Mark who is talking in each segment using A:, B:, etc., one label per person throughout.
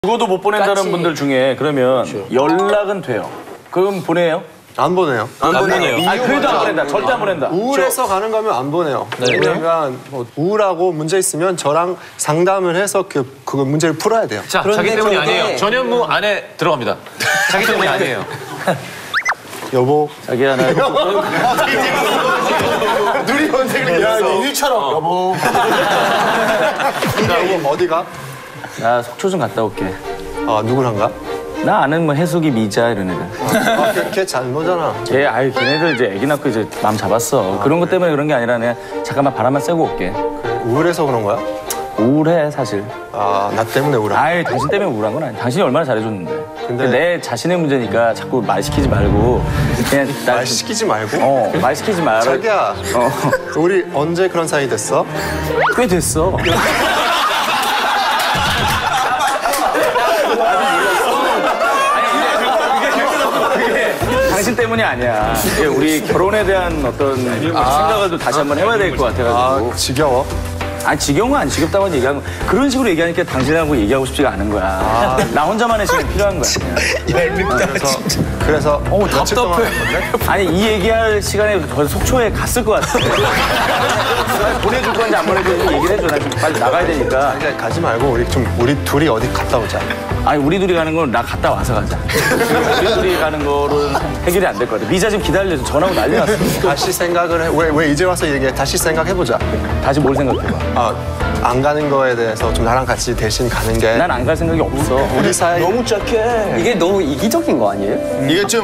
A: 죽어도 못 보낸다는 분들 중에 그러면 연락은 돼요. 그럼 보내요?
B: 안 보내요.
A: 안 보내요. 아, 그래도 안 보낸다. 절대 안 보낸다.
B: 우울해서 가는 거면 안 보내요. 왜냐면 뭐 우울하고 문제 있으면 저랑 상담을 해서 그 문제를 풀어야 돼요.
C: 자, 자기 때문이 아니에요. 전현무 안에 들어갑니다. 자기 때문이 아니에요.
B: 여보.
A: 자기야, 나
B: 눈이 언제 그랬어? 일처럼 여보. 여보 어디가?
A: 나 속초 좀 갔다 올게.
B: 아 누구랑가?
A: 나 아는 뭐 해숙이, 미자 이런 애들.
B: 걔 잘 노잖아.
A: 걔네들 이제 애기 낳고 이제 마음 잡았어. 그런 것 때문에 그런 게 아니라 그냥 잠깐만 바람만 쐬고 올게.
B: 우울해서 그런 거야?
A: 우울해 사실.
B: 아 나 때문에 우울해.
A: 아이 당신 때문에 우울한 건 아니야. 당신이 얼마나 잘해줬는데.
B: 근데
A: 내 자신의 문제니까 자꾸 말 시키지 말고 그냥
B: 말 시키지 말고.
A: 말 시키지 말아.
B: 자기야. 우리 언제 그런 사이 됐어?
A: 꽤 됐어. 당신 때문이 아니야. 이게 우리 결혼에 대한 어떤 생각을 또 다시 한번 해봐야 될 것 같아가지고.
B: 아 지겨워.
A: 아니 지겨운 건 안 지겹다고 얘기하는 거. 그런 식으로 얘기하니까 당신하고 얘기하고 싶지가 않은 거야. 나 혼자만의 시간이 필요한 거야.
B: 그래서 며칠 동안
C: 답답해.
B: 할 건데?
A: 아니 이 얘기할 시간에 벌써 속초에 갔을 것 같아. 보내줄 건지 안 보내줄 건지 얘기를 해줘. 나 좀 빨리 나가야 되니까.
B: 그냥 가지 말고 우리 둘이 어디 갔다 오자.
A: 아니 우리 둘이 가는 건 나 갔다 와서 가자. 우리 둘이 가는 거는 해결이 안 될 것 같아. 미자 지금 기다려서 전화하고 난리 났어.
B: 다시 생각을 해. 왜 이제 와서 얘기해? 다시 생각해보자.
A: 다시 뭘 생각해봐.
B: 안 가는 거에 대해서 좀 나랑 같이 대신 가는 게
A: 난 안 갈 생각이 없어.
B: 우리 사이
D: 너무 착해.
E: 이게 너무 이기적인 거 아니에요?
D: 이게 좀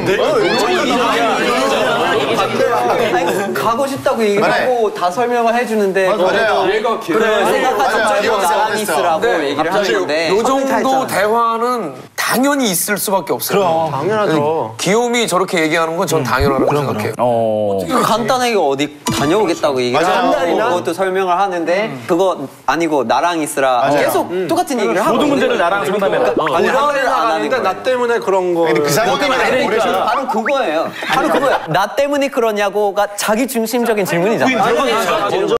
E: 아니, 가고 싶다고 얘기를 하고 다 설명을 해주는데
D: 맞아요.
E: 얘가 생각하지 말고 나랑 있으라고 얘기를 하는데
C: 요 정도 대화는 당연히 있을 수밖에 없어요.
B: 당연하죠.
C: 귀요미 저렇게 얘기하는 건 전 당연하다고 생각해요.
E: 간단하게 어디 다녀오겠다고 얘기를 하고 그것도 설명을 하는데 그거 아니고 나랑 있으라 계속 똑같은 얘기를 하고
A: 모든 문제를 나랑 상담해라.
B: 아니
E: 그거를
B: 한 달을
E: 안 하는
B: 나가니까 나 때문에 그런 거.
D: 그 사람 때문에
E: 바로 그거예요. 바로 그거예요. 나 때문에 그러냐고가 자기 중심적인 질문이잖아.